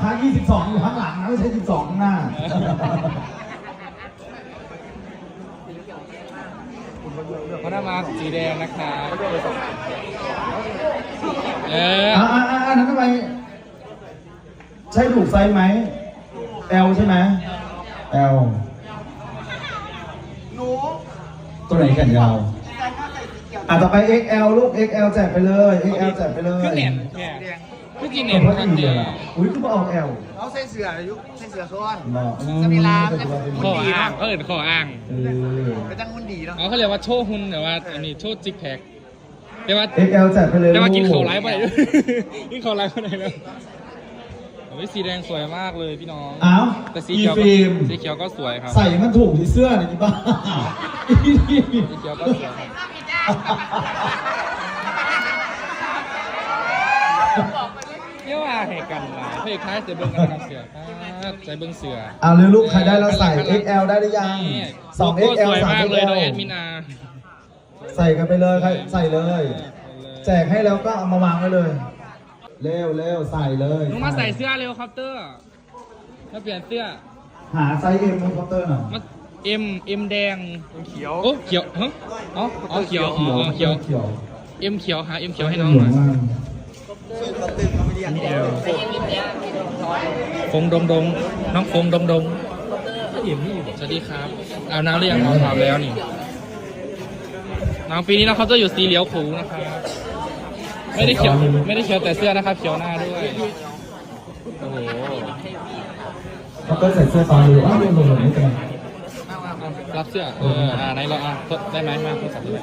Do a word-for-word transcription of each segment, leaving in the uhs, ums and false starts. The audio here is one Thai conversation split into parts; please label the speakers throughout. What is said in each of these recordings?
Speaker 1: ยี่สิบสองอยู่ข้างหลังนะไม่ใช่สิบสองข้างหน้า
Speaker 2: เขาได้มาสีแดงนะคะเออ
Speaker 1: อ่าอ่าอ่านั้นทำไมใช่ถูกไซส์ไหม L ใช่ไหม L ตัวไหนแขนยาวอ่ะต่อไป เอ็กซ์ แอล ลูก เอ็กซ์ แอล แจกไปเลย เอ็กซ์ แอล แจกไปเลย
Speaker 2: คือเน็ตเนี่ยคือจีเน็ตครับเนี่ย
Speaker 1: อุ้ยคือมาออก L
Speaker 3: เอาเส้นเสืออายุเส้นเสือซ้อน
Speaker 1: เนาะ
Speaker 3: สมิลา
Speaker 2: ขออ้างเขาเอิญขออ้าง
Speaker 3: ไปตั้งหุ่นดีเนาะ
Speaker 2: อ๋อเขาเรียกว่าโชว์หุ่นแต่ว่าอันนี้โชว์จิกแพคแต่ว่า
Speaker 1: เอ็กซ์ แอล แจกไปเลย
Speaker 2: แต่ว่ากินเขาไร้ไปไหนกินเขาไร้ไปไหนแล้วโอ้ยสีแดงสวยมากเลยพี่น้อง
Speaker 1: อ้าว
Speaker 2: แต่สีเขียว
Speaker 1: ฟิล์ม
Speaker 2: สีเขียวก็สวยครับ
Speaker 1: ใส่มันถูกที่เสื้อหน่อยดิบ้า
Speaker 2: สีเขียวก็สวยเรียกว่าให้กันมาเพื่อคล้ายใส่เบิ้งกันกับเสือใส่เบิ้งเสือ
Speaker 1: เอาเลยลูกใครได้เราใส่ เอ็กซ์ แอล ได้หรือยังสอง เอ็กซ์ แอล
Speaker 2: สวย
Speaker 1: สาม
Speaker 2: มาก
Speaker 1: เอ็ก
Speaker 2: เลย
Speaker 1: ซ์
Speaker 2: โด
Speaker 1: แอย ล
Speaker 2: แอดมินา
Speaker 1: ใส่กันไปเลยใครใส่เลย แจกให้แล้วก็เอามาวางไว้เลย เร็วเร็วใส่เลย
Speaker 2: ลุงมาใส่เสื้อเร็วครับเตอร์มาเปลี่ยนเสื้อ
Speaker 1: หาไซส์ M ของเคาน์เตอร์หน่อย
Speaker 2: มาเอ็มเอ็มแดง
Speaker 3: เขียว
Speaker 2: โอ้เขียวฮะอ๋ออ๋อเขียวอ๋อเขียว
Speaker 1: เขียว
Speaker 2: เอ็มเขียวหาเอ็มเขียวให้น้องหน่อยฟงดงดงน้องฟงดงดงสวัสดีครับเอาน้ำหรือยังน้องถามแล้วนี่น้องปีนี้น้องเขาจะอยู่สีเหลียวขูนะครับไม่ได้เขียวไม่ได้เขียวแต่เสื้อนะครับเขียวหน้าด้วยโอ้โห
Speaker 1: เคาน์เตอร์ใส่เสื้อฟ้าอยู่อ้าวลงลงลงไม่เป็นไร
Speaker 2: รับเสื้อเอออ่าไหนเราอ่ะได้ไหมมาโทรศัพท์ด้วย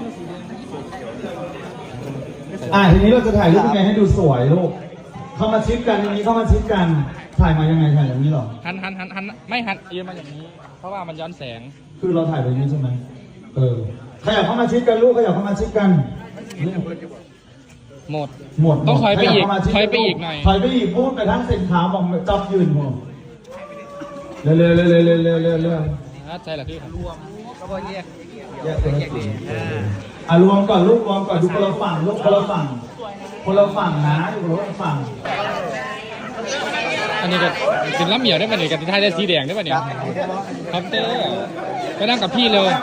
Speaker 1: อ่าทีนี้เราจะถ่ายรูปยังไงให้ดูสวยลูก เข้ามาชิดกันอย่างนี้เข้ามาชิดกัน ถ่ายมายังไงถ่ายอย่างนี้หรอ
Speaker 2: หันหันหันหันไม่หันเอียงมาอย่างนี้ เพราะว่ามันย้อนแสง
Speaker 1: คือเราถ่ายแบบนี้ใช่ไหมเออขยับเข้ามาชิดกันลูกขยับเข้ามาชิดกัน
Speaker 2: หมด
Speaker 1: หมด
Speaker 2: ต้องถอยไปอีก
Speaker 1: ขบเข้ามาชิด
Speaker 2: ถอยไปอีกหน่อย
Speaker 1: ถอยไปอีกพูดไปทั้งเส้นขาวบอกจับยืนหมดเร็วเร็วเร็วเร็วเร็วเร็วเร็วเร็ว
Speaker 2: ใช่เหรอพี่รวม
Speaker 3: ก็พอแยก
Speaker 1: แยกเป็นสีอ่ะรวมก่อนลูกรวมก่อนดูคนละฝั่งลูกคนละฝั่งคนละฝั่งนะอยู่คนละฝั่ง
Speaker 2: อันนี้ก็เป็นล้ำเหมียวได้ป่ะเนี่ยกับที่ไทยได้สีแดงได้ป่ะเนี่ยครับเต้ไปนั่งกับพี่เร็ว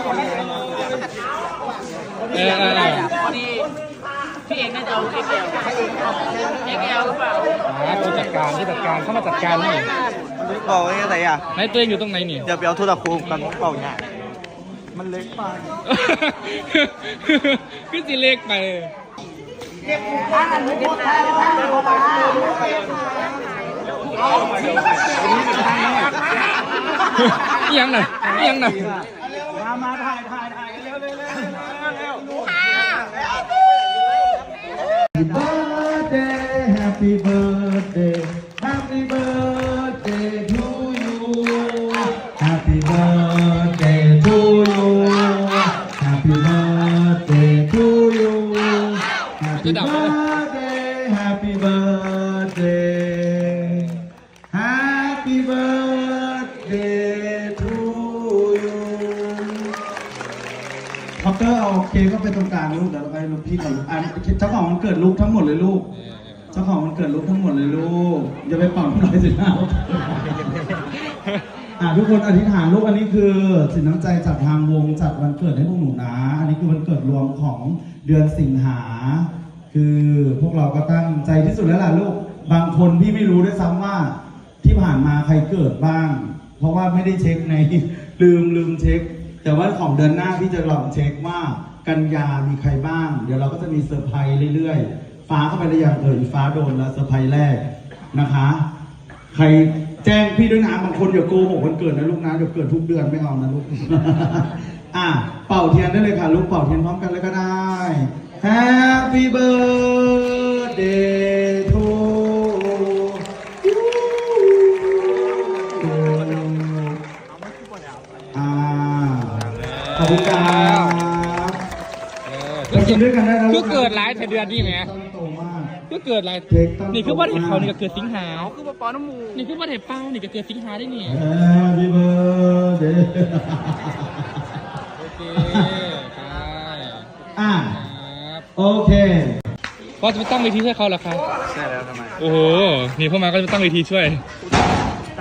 Speaker 2: เออเออ
Speaker 3: พอดีพี่เองน่าจะเอาเอ็กเอลเอ็กเอลหรือเปล่า
Speaker 2: ผู้จัดการผู้จัดการเข้ามาจัดการนี่
Speaker 3: บอกว่าไงอ่ะ
Speaker 2: ไหนตัวเองอยู่ตรงไหนนี่
Speaker 3: เดี๋ยวไปเอาโทรศัพท์กันเปล่าเนี่ยมันเล็กไป
Speaker 2: ขึ้นสีเล็กไปยังหน่อยยังหน่อย
Speaker 3: มามาถ่ายถ่ายถ่ายเร็วเร็วเร็วเร็ว
Speaker 1: Happy birthday Happy birthday to you Happy birthday to you Happy birthday to you Happy birthday Happy birthday Happy birthday to you คอปเตอร์เอาเค้กก็ไปตรงกลางลูกเดี๋ยวเราไปลูกพี่ก่อนอันเจ้าของวันเกิดลูกทั้งหมดเลยลูกเจ้าของวันเกิดลูกทั้งหมดเลยลูกอย่าไปเป่าน้อยสินะอ่ะทุกคนอธิษฐานลูกอันนี้คือสินน้ำใจจากทางวงจัดวันเกิดให้พวกหนูนะอันนี้คือวันเกิดรวมของเดือนสิงหาคือพวกเราก็ตั้งใจที่สุดแล้วล่ะลูกบางคนพี่ไม่รู้ด้วยซ้ำว่าที่ผ่านมาใครเกิดบ้างเพราะว่าไม่ได้เช็คในลืมลืมเช็คแต่ว่าของเดือนหน้าพี่จะลองเช็คว่ากันยามีใครบ้างเดี๋ยวเราก็จะมีเซอร์ไพรส์เรื่อยๆฟ้าเข้าไปหรือยังเอ่ยฟ้าโดนแล้วเซอร์ไพรส์แรกนะคะใครแจ้งพี่ด้วยนะบางคนอย่าโกหกวันเกิดนะลูกนะเดี๋ยวเกิดทุกเดือนไม่เอานะลูก อ่ะเป่าเทียนได้เลยค่ะลูกเป่าเทียนพร้อมกันเลยก็ได้ Happy birthday to you อ่าขอบคุณครับเรากินด้วยกันได้นะลู
Speaker 2: คื
Speaker 1: ก
Speaker 2: อเกิดหลายเดือนนี่ไหม
Speaker 1: โตมาก
Speaker 2: คือเกิดหลายนี่คือว่าเห็นเขานี่ก็เกิดสิงหาคือว่าปอน้ำมูนี่คือว่าเห็นเป้านี่ก็เกิดสิงหาได้นี่
Speaker 1: Happy birthday
Speaker 2: โอเคไป
Speaker 1: อ่ะ
Speaker 2: ครับ
Speaker 1: โอเค
Speaker 2: ก็จะไปตั้งเวทีช่วยเขาเหรอครับ
Speaker 3: ใช่แล้วทำไม
Speaker 2: โอ้โหนี่พวกมาก็จะตั้งเวทีช่วย
Speaker 3: ได้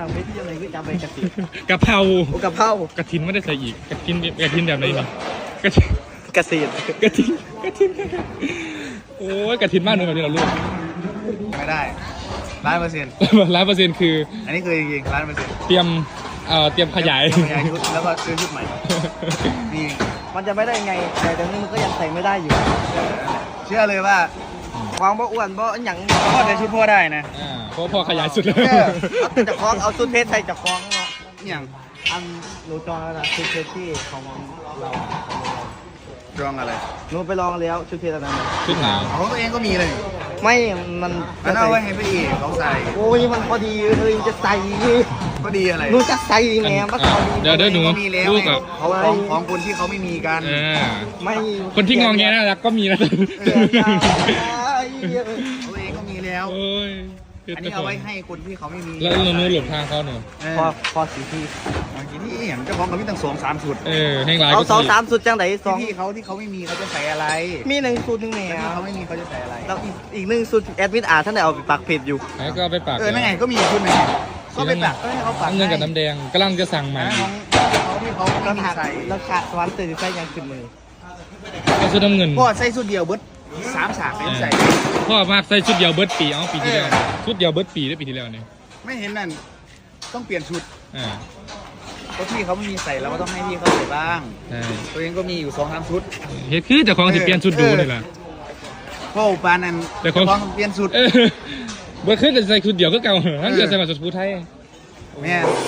Speaker 3: ทำไม่ที่อะไรก็จำไปกระติ
Speaker 2: กะเพรา
Speaker 3: โอ้กะเพราก
Speaker 2: ระถินไม่ได้ใส่อีกกระถินกระถินแบบไหนนี่กระถิน
Speaker 3: กระเสียด
Speaker 2: กระถินกระถินโอ้ยกระถินมากเลยแบบนี้เราลูก
Speaker 4: ไม่ได้ร้านเปอร์เซ็นต์
Speaker 2: ร้อยเปอร์เซ็นต์คือ
Speaker 4: อันนี้คือจริงๆร้านเปอร์เซ็นต์
Speaker 2: เตรียมเอ่อเตรียมขยาย
Speaker 4: ขยายชุดแล้วก็ซื้อชุดใหม่นี่
Speaker 3: มันจะไม่ได้ไงแต่ตรงนี้มันก็ยังใส่ไม่ได้อยู่
Speaker 4: เชื่อเลยว่า
Speaker 3: ความบ่อ้วนบ่หยัง
Speaker 4: พ่อจะชุดพ่อได้นะ
Speaker 2: อ่าเพราะพอขยายสุดแล้ว
Speaker 3: เออเอาแต่จะคล้องเอาชุดเพชรใส่จะคล้องเนาะ
Speaker 4: อย่าง
Speaker 3: อันหนูจองแล้วนะชุดเพชรที่ของเรา
Speaker 4: รองอะไร
Speaker 3: หนูไปลองแล้วชุดเพชรอันนั้นน่ะ
Speaker 2: ชุดหนาว
Speaker 4: ของตัวเองก็มีเลย
Speaker 3: ไม่มัน
Speaker 4: มันเอาไว้ให้พี่เอกเขาใส่
Speaker 3: โอ้ยมันพอดีเลยจะใส่
Speaker 4: ก็ดีอะไร
Speaker 3: หนูจะใส่แหม่มันพอดี
Speaker 2: เดี๋ยวเดี๋ยวหนู
Speaker 4: ก็มีแล้ว
Speaker 2: ลูก
Speaker 4: ไง
Speaker 2: กับ
Speaker 4: เขาของของคนที่เขาไม่มีกัน
Speaker 2: เออ
Speaker 3: ไม่
Speaker 2: คนที่งองแงน่ารักก็มีนะ
Speaker 3: เสียดาย
Speaker 4: ตัวเองก็มีแล้ว
Speaker 2: โอ้ย
Speaker 4: อันนี้เอาไว้ให้คนที่เขาไม่มี
Speaker 2: แล้วเรานู้หลบทางเขาหนู
Speaker 4: เออ
Speaker 3: พอพอสีที่
Speaker 4: บางทีนี่อย่างเจ้าของเขามีตั้งสองสามชุด
Speaker 2: เออแห้งหลาย
Speaker 3: เอา
Speaker 2: ก็
Speaker 3: สอง
Speaker 2: ที
Speaker 3: สามสุดจังไหนสอง
Speaker 4: ที่เขาที่เขาไม่มีเขาจะใส่อะไร
Speaker 3: มีหนึ่งสูตรหนึ่งแหน่
Speaker 4: ที่เขาไม่มีเขาจะใส่อะไร
Speaker 3: แล้วอีกอีกหนึ่งสูตรแอดมินอาร์ท่านได้เอาไปปักเพจอยู่
Speaker 2: แล้วก็เอาไปปาก
Speaker 4: เออนั่นไงก็มีชุดหนึงก็ไปแบบเออให้เขาปัก
Speaker 2: น้ำเงินกับน้ำแดงกำลังจะสั่งใหม่
Speaker 4: ของเขาที่เขาไม่
Speaker 3: แล้ว
Speaker 4: มี
Speaker 3: ขาด
Speaker 4: ใส่
Speaker 3: แล้วขาดสวรรค์เตือนใส่ยังขึ้นมือ
Speaker 2: ก็ชุดน้ำเงิน
Speaker 4: พ่อใส่ชุดเดียวเบิดสามฉากไม่ใส่
Speaker 2: พ่อมากใส่ชุดเดียวเบิร์ดปีเอ้าปีที่แล้วชุดเดียวเบิร์ดปีได้ปีที่แล้วเนี่ย
Speaker 4: ไม่เห็นนั่นต้องเปลี่ยนชุด
Speaker 2: อ่า
Speaker 4: เพราะพี่เขาไม่มีใส่เราก็ต้องให้พี่เขาใส่บ้าง
Speaker 2: ใช่
Speaker 4: ตัวเองก็มีอยู่สองสามชุด
Speaker 2: เฮ็ดคือเจ้าของสิเปลี่ยนชุดดูนี่แหละ
Speaker 4: พ่อปานนั้น
Speaker 2: แต่ของ
Speaker 4: เจ้าของเปลี่ยนชุด
Speaker 2: เออเบิร์ดขึ้นแต่ใส่ชุดเดียวก็เก่าทั้งเดือนใส่มาชุดผู้ไทย
Speaker 4: แม่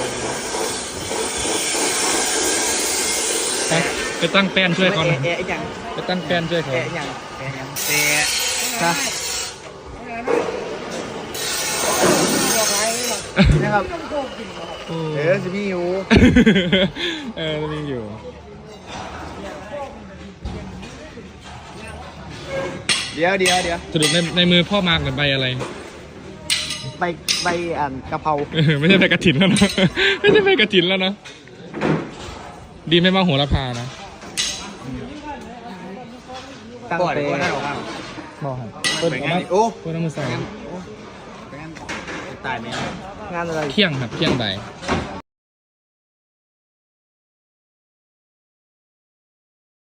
Speaker 2: ไปไปตั้งแป้นช่วยเขาหน่อย
Speaker 3: แอะแอะอย่าง
Speaker 2: ไปตั้งแป้นช่วยเขา
Speaker 3: แอะอย่าง
Speaker 4: แต่ยังแต่
Speaker 3: นะ
Speaker 4: นะครับ
Speaker 2: โอ้
Speaker 4: เออจะมีอยู่
Speaker 2: เออจะมีอยู่
Speaker 4: เดี๋ยวเดี๋ยวเดี๋ยว
Speaker 2: สรุปในในมือพ่อมากเหมือนใบอะไร
Speaker 3: ใบใบอ่านกะเพรา
Speaker 2: เออไม่ใช่ใบกระถินแล้วนะ ไม่ใช่ใบกระถินแล้วนะ ดีไม่มาโหระพานะ
Speaker 3: ตั้ง
Speaker 4: ก่อน
Speaker 3: แต่
Speaker 4: ก่อนได้ออกมา
Speaker 3: บอกให้
Speaker 4: เป็นไงนี่โอ้
Speaker 2: เพื่อนมือใส่
Speaker 4: เป็นไงตายไหม
Speaker 3: งานอะไร
Speaker 2: เที่ยงครับเที่ยงใบ
Speaker 4: เ